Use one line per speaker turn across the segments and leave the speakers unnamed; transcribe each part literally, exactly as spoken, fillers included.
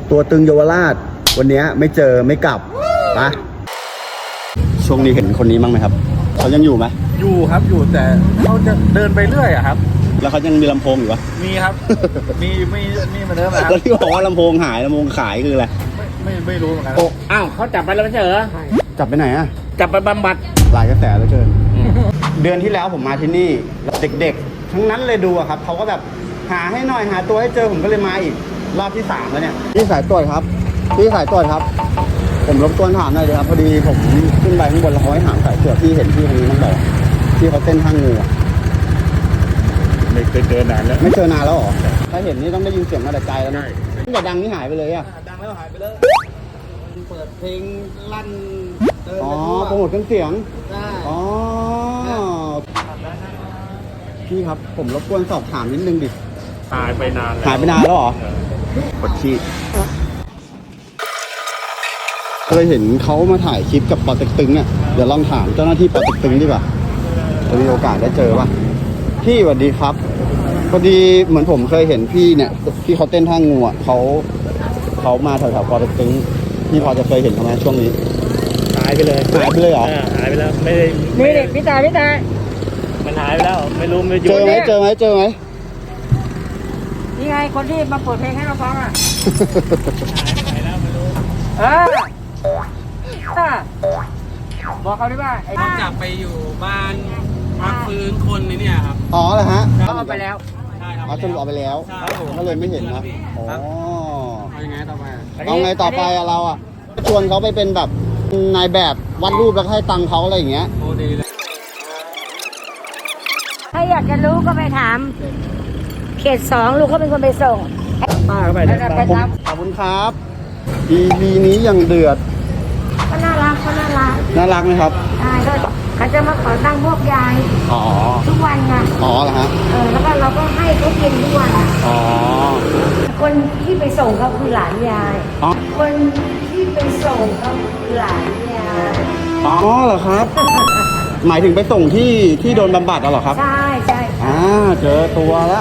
ตัวตึงเยาวราชวันนี้ไม่เจอไม่กลับปะช่วงนี้เห็นคนนี้บ้างไหมครับเขายังอยู่ไหม
อยู่ครับอยู่แต่เขาจะเดินไปเรื่อยอะครับ
แล้วเขายังมีลำโพงอยู่ปะ
มีครับ มีมีมีเหมือนเดิมครับ
แล้วที่บอกว่าลำโพงหายลำโพงขายคืออะไร
ไม่ไม่ไม่รู้เหมือนกัน
โอ้อ้าวเขาจับไปแล้วไม่ใช่เหรอ
จับไปไหนอะ
จับไปบำบัด
หลายกระแสเหลือเกินเดือนที่แล้วผมมาที่นี่เด็กๆทั้งนั้นเลยดูอะครับเขาก็แบบหาให้หน่อยหาตัวให้เจอผมก็เลยมาอีกรอบที่สามแล้วเนี่ยพี่สายตรวจครับพี่สายตรวจครับผมรบกวนถามหน่อยเลยครับพอดีผมขึ้นไปข้างบนแล้วเขาให้ถามสายตรวจพี่เห็นพี่คนนี้ต้องบอกที่เขาเต้นทางงูอะ
ไม่เคยเจอนานแล้ว
ไม่เจอนานแล้วเหรอถ้าเห็นนี่ต้องได้ยินเสียงมาแต่ไกลแล้วนะตั้งแต่ดังนี่หายไปเลยอะ
ดังแล้วหายไปเลยเปิดเพลงลั่น
อ๋อโปรโมทเครื่องเสียงอ๋อพี่ครับผมรบกวนสอบถามนิดนึงดิ
หายไปนานแล้ว
หายไปนานแล้วเหรอปวดขี้เคยเห็นเขามาถ่ายคลิปกับปอเต็กตึงเนี่ยเดี๋ยวลองถามเจ้าหน้าที่ปอเต็กตึงดีกว่าจะมีโอกาสได้เจอป่ะพี่สวัสดีครับพอดีเหมือนผมเคยเห็นพี่เนี่ยพี่เขาเต้นท่างูอ่ะเขาเขามาแถวๆปอเต็กตึงพี่พอจะเคยเห็นเขาไหมช่วงนี้
หายไปเลย
หายไปเลยเหรอ
หายไปแล้วไม่ได้
นี่เด็กพี่ตาพี่ตา
มันหายไปแล้วไม่รู้ไม่อยู่
เจอไหมเจอไหมเจอไหม
นี่ไงคนที่มาเปิดเพลงให้เราฟังอ่ะ
หายแล้วไม่รู้
เออบอกเขาดิว่า
เขาจับไปอยู่บ้านพักฟื้นคนนี่เนี่ยครับ
อ๋อเหรอฮะ
เขาเอาไปแล้ว
ใช่ครับ
อ๋อสรุปเอาไปแล้วก็เลยไม่เห็นนะอ๋อ
เอายังไงต่อไป
เอาไงต่อไปอะเราอะชวนเขาไปเป็นแบบนายแบบวาดรูปแล้วให้ตังค์เขาอะไรอย่างเงี้ย
โอ้ดีเลย
ถ้าอยากจะรู้ก็ไปถามเขตสองลูกเขาเป็นคนไปส่ง
ป้าเข้าไปเลยขอบคุณครับ อี พี นี้ยังเดือด
ก็น่ารักก็น่ารัก
น่ารักไหมครับ
ใช่ก็เขาจะมาขอตั้งพวกยาย
อ๋อ
ทุกวันไง
อ๋อเหรอฮะ
เออแล้วก็เราก็ให้เขากินทุกวัน
อ๋อ
คนที่ไปส่งเขาคือหลานยาย
อ๋อ
คนที่ไปส่งเขาคือหลานยาย
อ๋อเหรอครับ หมายถึงไปส่งที่ที่โดนบำบัดเหรอครับ
ใช่ใช่
อ่าเจอตัวแล้ว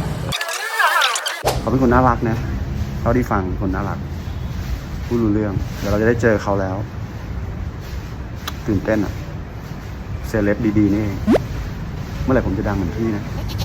เขาเป็นคนน่ารักนะเขาที่ฟังคนน่ารักพูดรู้เรื่องเดี๋ยวเราจะได้เจอเขาแล้วตื่นเต้นอะเซเลบดีๆนี่เองเมื่อไหร่ผมจะดังเหมือนพี่นะ